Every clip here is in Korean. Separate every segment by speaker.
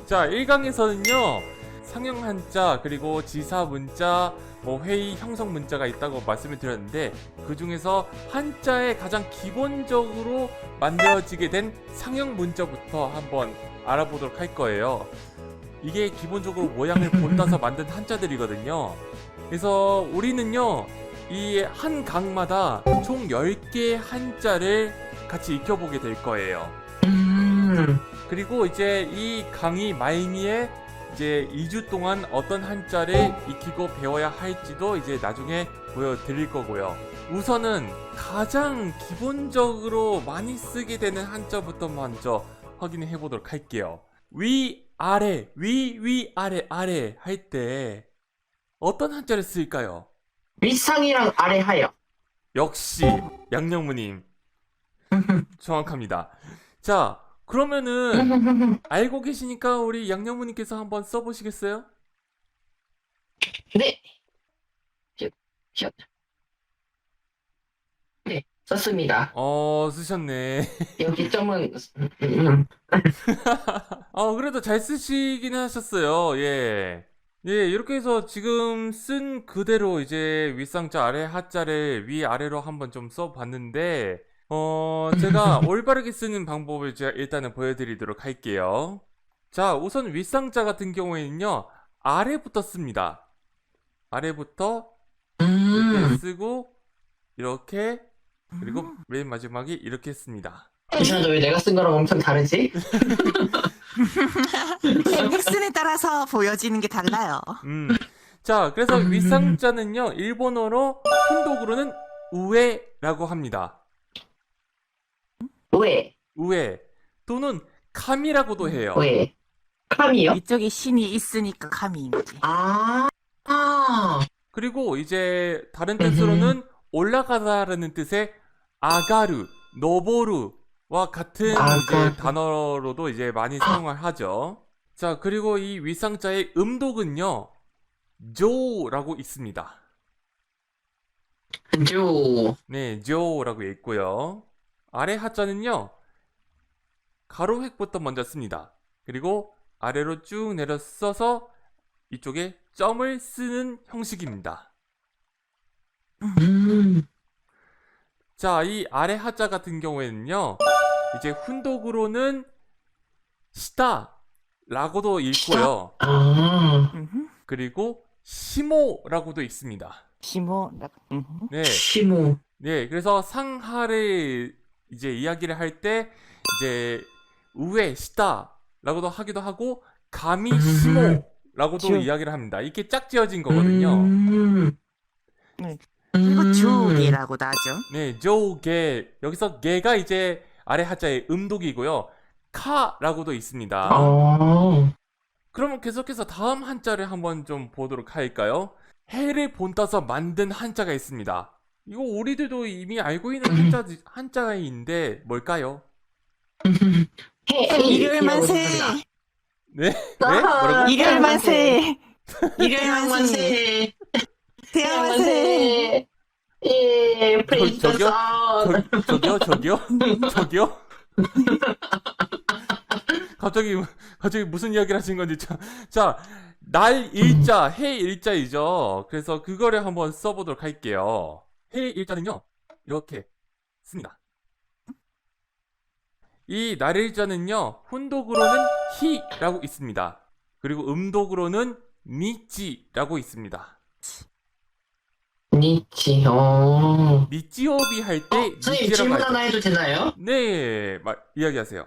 Speaker 1: 자, 1강에서는요 상형 한자 그리고 지사 문자 뭐 회의 형성 문자가 있다고 말씀을 드렸는데, 그 중에서 한자의 가장 기본적으로 만들어지게 된 상형 문자부터 한번 알아보도록 할 거예요. 이게 기본적으로 모양을 본따서 만든 한자들이거든요. 그래서 우리는요 이 한 강마다 총 10개의 한자를 같이 익혀보게 될 거예요. 그리고 이제 이 강의 말미에 이제 2주 동안 어떤 한자를 익히고 배워야 할지도 이제 나중에 보여드릴 거고요. 우선은 가장 기본적으로 많이 쓰게 되는 한자부터 먼저 확인해 보도록 할게요. 위, 아래, 위, 아래, 아래 할 때 어떤 한자를 쓸까요?
Speaker 2: 윗상이랑 아래 하여.
Speaker 1: 역시 양영무님 정확합니다. 자, 그러면은 알고 계시니까 우리 양영무님께서 한번 써보시겠어요?
Speaker 2: 네. 슛. 네, 썼습니다.
Speaker 1: 쓰셨네.
Speaker 2: 여기 점은
Speaker 1: 그래도 잘 쓰시긴 하셨어요. 예. 예, 이렇게 해서 지금 쓴 그대로 이제 윗상자 아래 하자를 위아래로 한번 좀 써봤는데, 제가 올바르게 쓰는 방법을 제가 일단은 보여드리도록 할게요. 자, 우선 윗상자 같은 경우에는요, 아래부터 씁니다. 아래부터 이렇게 쓰고, 이렇게, 그리고 맨 마지막에 이렇게 씁니다.
Speaker 2: 이상하다. 왜 내가 쓴 거랑 엄청 다르지?
Speaker 3: 닉슨에 따라서 보여지는 게 달라요.
Speaker 1: 자, 그래서 윗상자는요, 일본어로 훈독으로는 우에라고 합니다.
Speaker 2: 왜?
Speaker 1: 우에 또는 카미라고도 해요.
Speaker 2: 왜? 카미요?
Speaker 3: 이쪽에 신이 있으니까 감이 있지.
Speaker 2: 아.
Speaker 1: 그리고 이제 다른 뜻으로는 올라가다라는 뜻의 아가르, 노보루와 같은 이제 단어로도 이제 많이 사용을 하죠. 자, 그리고 이 윗상자의 음독은요, 조라고 있습니다.
Speaker 2: 조.
Speaker 1: 네, 조라고 있고요. 아래 하자는요, 가로획부터 먼저 씁니다. 그리고 아래로 쭉 내려 써서 이쪽에 점을 쓰는 형식입니다. 자, 이 아래 하자 같은 경우에는요, 이제 훈독으로는 시다라고도 읽고요. 그리고 시모라고도 있습니다.
Speaker 3: 시모.
Speaker 1: 네.
Speaker 2: 시모.
Speaker 1: 네, 그래서 상하를 이제 이야기를 할 때 이제 우에 시다라고도 하기도 하고 가미 시모라고도 이야기를 합니다. 이게 짝지어진 거거든요.
Speaker 3: 그리고 주게라고도 하죠.
Speaker 1: 네, 조게. 여기서 게가 이제 아래 하자의 음독이고요. 카라고도 있습니다. 그러면 계속해서 다음 한자를 한번 좀 보도록 할까요? 해를 본따서 만든 한자가 있습니다. 이거 우리들도 이미 알고 있는 한자인데 뭘까요?
Speaker 3: 일요일 만세.
Speaker 1: 네? 네? 뭐라고?
Speaker 3: 일요일 만세. 일요일
Speaker 2: 태양
Speaker 3: 만세.
Speaker 2: 만세.
Speaker 3: 태양 만세.
Speaker 2: 예, 프레이즈 더 선.
Speaker 1: 저기요? 갑자기 무슨 이야기를 하신 건지 자, 날 일자, 해 일자이죠. 그래서 그거를 한번 써보도록 할게요. 해 일자는요, 이렇게 씁니다. 이 날 일자는요, 훈독으로는 히라고 있습니다. 그리고 음독으로는 니찌라고 있습니다.
Speaker 2: 니치.
Speaker 1: 니찌오비 할 때
Speaker 2: 선생님
Speaker 1: 니찌라고
Speaker 2: 질문
Speaker 1: 하죠.
Speaker 2: 하나 해도 되나요?
Speaker 1: 네, 이야기하세요.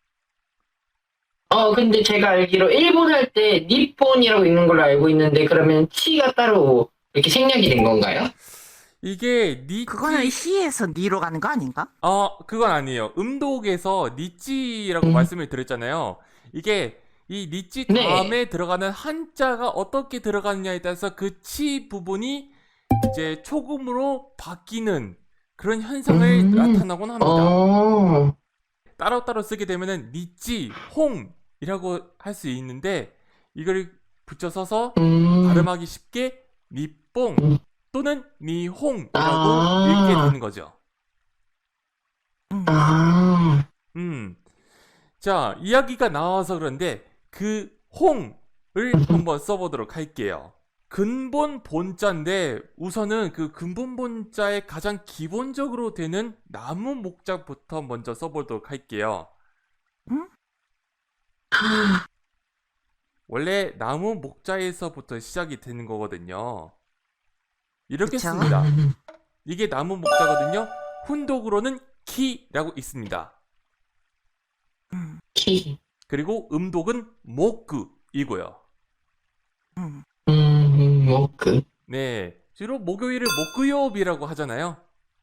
Speaker 2: 근데 제가 알기로 일본 할 때 니폰이라고 읽는 걸로 알고 있는데, 그러면 치가 따로 이렇게 생략이 된 건가요?
Speaker 1: 이게 니찌
Speaker 3: 그거는 시에서 니로 가는 거 아닌가?
Speaker 1: 그건 아니에요. 음독에서 니찌라고 말씀을 드렸잖아요. 이게 이 니찌 다음에 들어가는 한자가 어떻게 들어가느냐에 따라서 그 치 부분이 이제 초금으로 바뀌는 그런 현상을 나타나곤 합니다. 따로따로 쓰게 되면은 니찌, 홍이라고 할 수 있는데, 이걸 붙여 써서 발음하기 쉽게 니뽕 또는 니홍이라고 읽게 되는 거죠. 자, 이야기가 나와서 그런데 그 홍을 한번 써보도록 할게요. 근본 본자인데 우선은 그 근본 본자의 가장 기본적으로 되는 나무 목자부터 먼저 써보도록 할게요.
Speaker 3: 응?
Speaker 1: 원래 나무 목자에서부터 시작이 되는 거거든요. 이렇게
Speaker 3: 그쵸?
Speaker 1: 씁니다. 이게 나무 목자거든요. 훈독으로는 키라고 있습니다.
Speaker 2: 키.
Speaker 1: 그리고 음독은 목구이고요.
Speaker 2: 워크.
Speaker 1: 네, 주로 목요일을 목구요일이라고 하잖아요.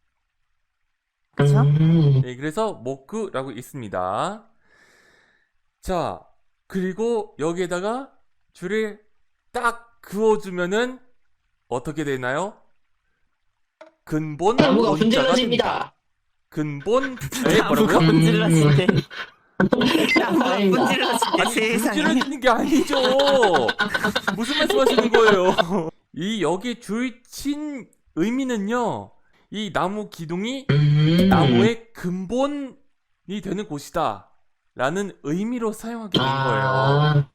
Speaker 3: 그쵸?
Speaker 1: 네, 그래서 목구라고 있습니다. 자, 그리고 여기에다가 줄을 딱 그어주면은 어떻게 되나요? 근본
Speaker 2: 나무가
Speaker 1: 본자가 됩니다.
Speaker 2: 분질러집니다.
Speaker 1: 근본 네,
Speaker 3: 나무가
Speaker 1: 뭐라고요?
Speaker 3: 문질러진대. 나무가
Speaker 2: 아닙니다.
Speaker 3: 문질러진대.
Speaker 1: 아니
Speaker 3: 세상에.
Speaker 1: 분질러지는 게 아니죠. 무슨 말씀하시는 거예요? 이 여기 줄친 의미는요. 이 나무 기둥이 나무의 근본이 되는 곳이다 라는 의미로 사용하게 된 거예요.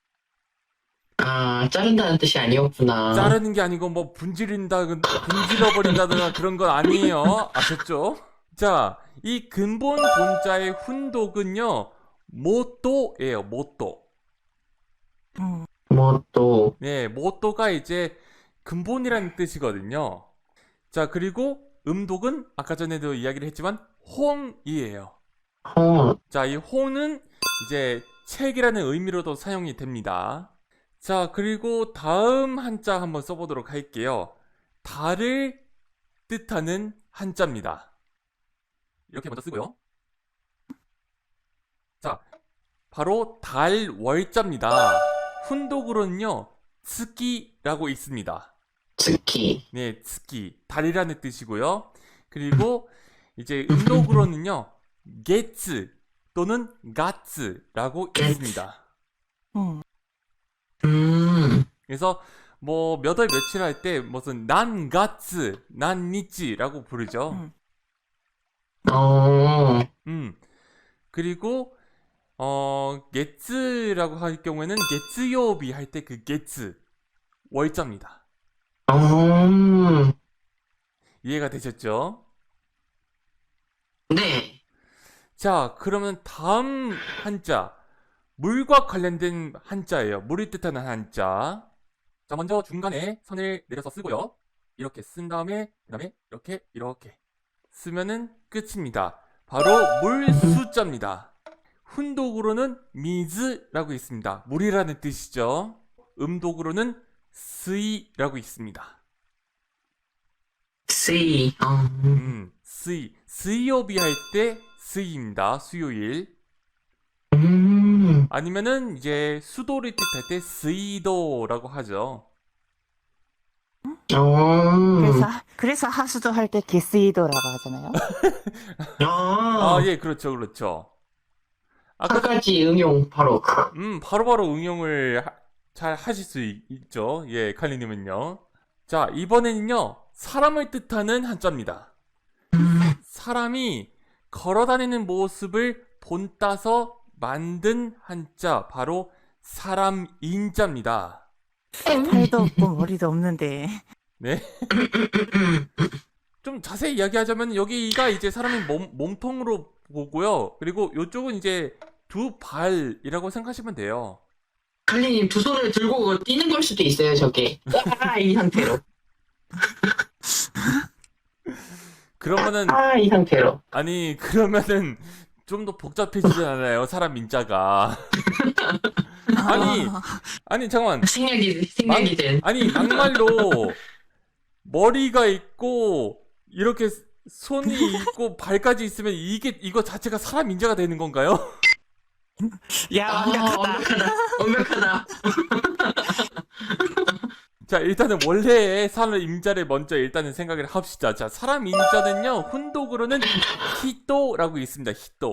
Speaker 2: 자른다는 뜻이 아니었구나.
Speaker 1: 자르는 게 아니고 뭐 분질러버린다거나 그런 건 아니에요. 아셨죠? 자, 이 근본 본자의 훈독은요 모또예요. 모또.
Speaker 2: 뭐 또.
Speaker 1: 네, 모또가 이제 근본이라는 뜻이거든요. 자, 그리고 음독은 아까 전에도 이야기를 했지만 홍이에요. 자, 이 홍은 이제 책이라는 의미로도 사용이 됩니다. 자, 그리고 다음 한자 한번 써보도록 할게요. 달을 뜻하는 한자입니다. 이렇게 먼저 쓰고요. 자, 바로 달월자입니다. 훈독으로는요, 츠키라고 있습니다.
Speaker 2: 스키.
Speaker 1: 네, 츠키, 달이라는 뜻이고요. 그리고 이제 음독으로는요, 게츠 또는 가츠라고 있습니다. 그래서 뭐 몇 월 며칠 할 때 무슨 난가츠, 난니치라고 부르죠. 그리고 게츠라고 할 경우에는 게츠요비 할 때 그 게츠 월자입니다. 이해가 되셨죠?
Speaker 2: 네.
Speaker 1: 자, 그러면 다음 한자 물과 관련된 한자예요. 물을 뜻하는 한자. 자, 먼저 중간에 선을 내려서 쓰고요. 이렇게 쓴 다음에 그다음에 이렇게 쓰면은 끝입니다. 바로 물수자입니다. 훈독으로는 미즈라고 있습니다. 물이라는 뜻이죠. 음독으로는 스이라고 있습니다.
Speaker 2: 씨.
Speaker 1: 스이오비 할 때 스이입니다. 수요일. 아니면은 이제 수도를 뜻할 때 스이도라고 하죠.
Speaker 3: 그래서 하수도 할 때 게스이도라고 하잖아요.
Speaker 1: 예, 그렇죠.
Speaker 2: 한 가지 응용 바로.
Speaker 1: 바로바로 응용을 잘 하실 수 있죠. 예, 칼리님은요. 자, 이번에는요, 사람을 뜻하는 한자입니다. 사람이 걸어다니는 모습을 본따서 만든 한자, 바로 사람인자입니다.
Speaker 3: 팔도 없고 머리도 없는데.
Speaker 1: 네. 좀 자세히 이야기하자면 여기가 이제 사람의 몸통으로 보고요. 그리고 이쪽은 이제 두 발이라고 생각하시면 돼요.
Speaker 2: 칼리님 두 손을 들고 뛰는 걸 수도 있어요, 저게. 이 상태로.
Speaker 1: 그러면은
Speaker 2: 이 상태로.
Speaker 1: 아니 그러면은 좀 더 복잡해지잖아요. 사람 인자가. 아니 잠깐만.
Speaker 2: 생략이 된.
Speaker 1: 아니 막말로 머리가 있고 이렇게 손이 있고 발까지 있으면 이거 자체가 사람 인자가 되는 건가요?
Speaker 3: 야,
Speaker 2: 완벽하다.
Speaker 1: 자, 일단은 원래의 사람 임자를 먼저 일단은 생각을 합시다. 자, 사람 임자는요, 훈독으로는 히토라고 있습니다.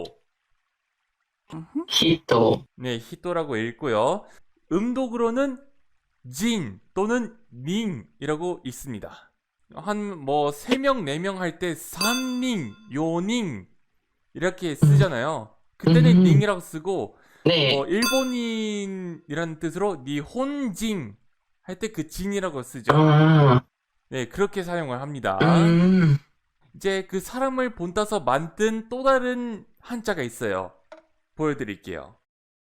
Speaker 2: 히토.
Speaker 1: 네, 히토라고 읽고요. 음독으로는 진 또는 닝이라고 있습니다. 한 뭐 3명, 4명 할 때 삼닝, 요닝 이렇게 쓰잖아요. 그때는 닝이라고 쓰고
Speaker 2: 네.
Speaker 1: 일본인이라는 뜻으로 니혼진 할 때 그 진이라고 쓰죠.
Speaker 2: 아,
Speaker 1: 네, 그렇게 사용을 합니다.
Speaker 2: 음.
Speaker 1: 이제 그 사람을 본따서 만든 또 다른 한자가 있어요. 보여드릴게요.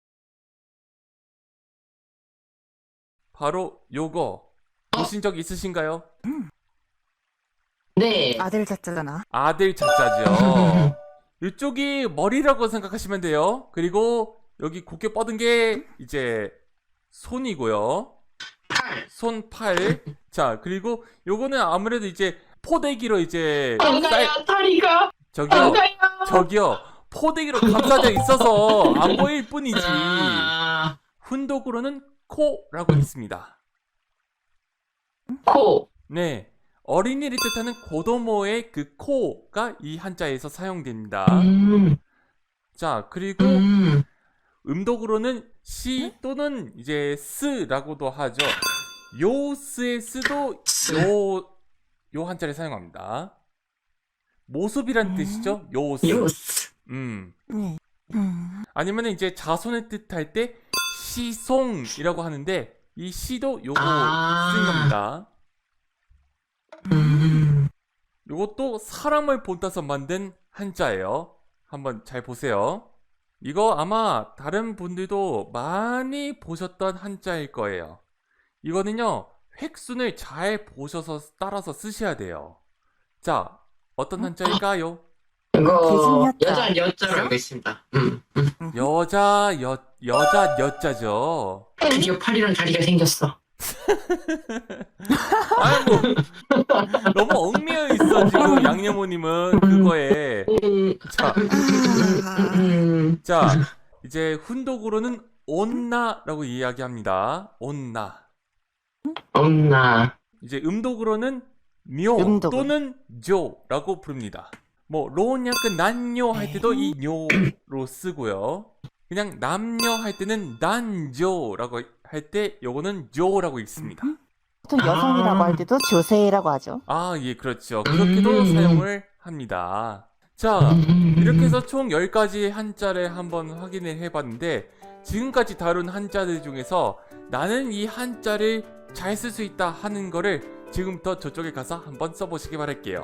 Speaker 1: 바로 요거 보신 적 있으신가요?
Speaker 2: 네.
Speaker 3: 아들 자자잖아.
Speaker 1: 아들 자자죠. 이쪽이 머리라고 생각하시면 돼요. 그리고 여기 곱게 뻗은 게 이제 손이고요. 손, 팔. 자, 그리고 요거는 아무래도 이제 포대기로 이제
Speaker 2: 안가요, 다리가.
Speaker 1: 저기요.
Speaker 2: 안가요.
Speaker 1: 저기요. 포대기로 감싸져 있어서 안 보일 뿐이지.
Speaker 2: 아,
Speaker 1: 훈독으로는 코라고 있습니다.
Speaker 2: 코.
Speaker 1: 네. 어린이를 뜻하는 고도모의 그 코가 이 한자에서 사용됩니다. 자, 그리고 음독으로는 시 또는 이제 스라고도 하죠. 요 스의 스도 요 한자를 사용합니다. 모습이란 뜻이죠. 요 스.
Speaker 2: 요스.
Speaker 3: 네.
Speaker 1: 아니면 이제 자손을 뜻할 때 시송이라고 하는데 이 시도 요거
Speaker 2: 아.
Speaker 1: 쓰인 겁니다. 요것도 사람을 본따서 만든 한자예요. 한번 잘 보세요. 이거 아마 다른 분들도 많이 보셨던 한자일 거예요. 이거는요, 획순을 잘 보셔서 따라서 쓰셔야 돼요. 자, 어떤 한자일까요?
Speaker 2: 이거
Speaker 3: 대신여자.
Speaker 2: 여자 여자로 알고 있습니다.
Speaker 1: 여자 여자죠.
Speaker 2: 드디어 팔이랑 다리가 생겼어.
Speaker 1: 아니 뭐 너무 얽매여 있어 지금 양념모님은 그거에. 자, 자 이제 훈독으로는 온나라고 이야기합니다. 온나.
Speaker 2: 없나.
Speaker 1: 이제 음독으로는 묘
Speaker 3: 음독은?
Speaker 1: 또는 조라고 부릅니다. 뭐 로냐크 난요 할 때도 이 뇨로 쓰고요. 그냥 남녀 할 때는 난조라고 할 때 요거는 조라고 읽습니다.
Speaker 3: 보통 여성이라고 할 때도 조세라고 하죠.
Speaker 1: 아, 예, 그렇죠. 그렇게도 사용을 합니다. 자, 이렇게 해서 총 10가지 한자를 한번 확인을 해봤는데 지금까지 다룬 한자들 중에서 나는 이 한자를 잘 쓸 수 있다 하는 거를 지금부터 저쪽에 가서 한번 써보시기 바랄게요.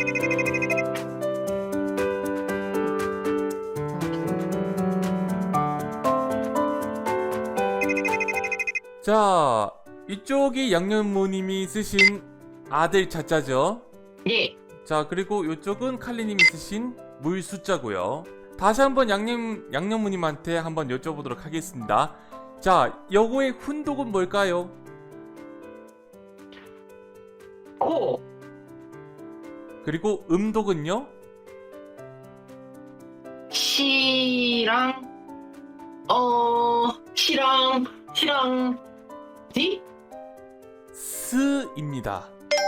Speaker 1: 자, 이쪽이 양념모님이 쓰신 아들 자자죠.
Speaker 2: 예.
Speaker 1: 자, 그리고 이쪽은 칼리님이 쓰신 물 숫자고요. 다시 한번 양념모님한테 한번 여쭤보도록 하겠습니다. 자, 요거의 훈독은 뭘까요?
Speaker 2: 코.
Speaker 1: 그리고 음독은요?
Speaker 2: 시랑 디?
Speaker 1: 스입니다.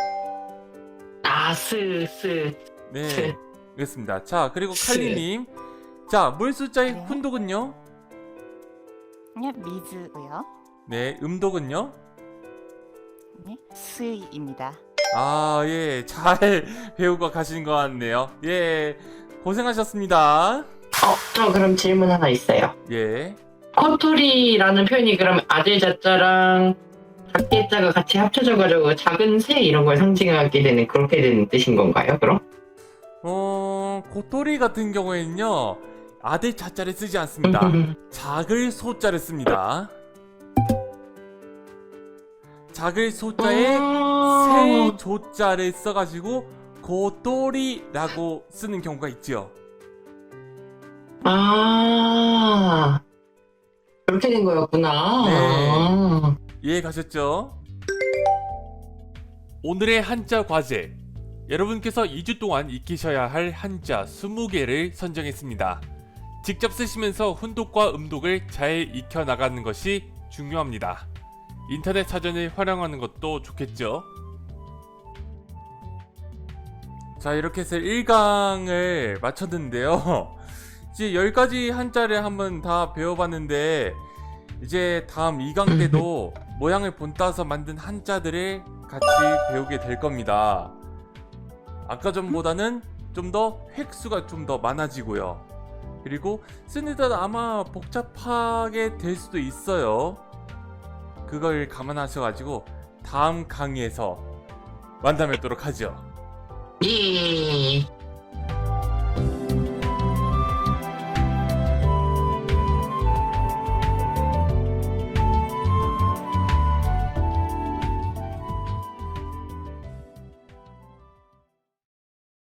Speaker 2: 아,
Speaker 1: 네, 그렇습니다. 자, 그리고 칼리님. 자, 물 숫자의
Speaker 3: 네.
Speaker 1: 훈독은요?
Speaker 3: 네, 미즈고요.
Speaker 1: 네, 음독은요?
Speaker 3: 네, 스이입니다.
Speaker 1: 아, 예, 잘 배우고 가신 것 같네요. 예, 고생하셨습니다.
Speaker 2: 저 그럼 질문 하나 있어요.
Speaker 1: 예.
Speaker 2: 코토리라는 표현이 그럼 아들 자자랑 작게 자가 같이 합쳐져가지고 작은 새 이런 걸 상징하게 되는 그렇게 되는 뜻인 건가요, 그럼?
Speaker 1: 고토리 같은 경우에는요, 아들 자자를 쓰지 않습니다. 작을 소자를 씁니다. 작을 소자에 새 조자를 써가지고 고토리라고 쓰는 경우가 있죠.
Speaker 2: 아, 그렇게 된 거였구나.
Speaker 1: 네. 이해 가셨죠? 오늘의 한자 과제. 여러분께서 2주 동안 익히셔야 할 한자 20개를 선정했습니다. 직접 쓰시면서 훈독과 음독을 잘 익혀 나가는 것이 중요합니다. 인터넷 사전을 활용하는 것도 좋겠죠? 자, 이렇게 해서 1강을 마쳤는데요. 이제 10가지 한자를 한번 다 배워봤는데 이제 다음 2강 때도 모양을 본따서 만든 한자들을 같이 배우게 될 겁니다. 아까 전보다는 좀 더 획수가 좀 더 많아지고요. 그리고 쓰는데 아마 복잡하게 될 수도 있어요. 그걸 감안하셔가지고 다음 강의에서 만나 뵙도록 하죠.
Speaker 2: 예.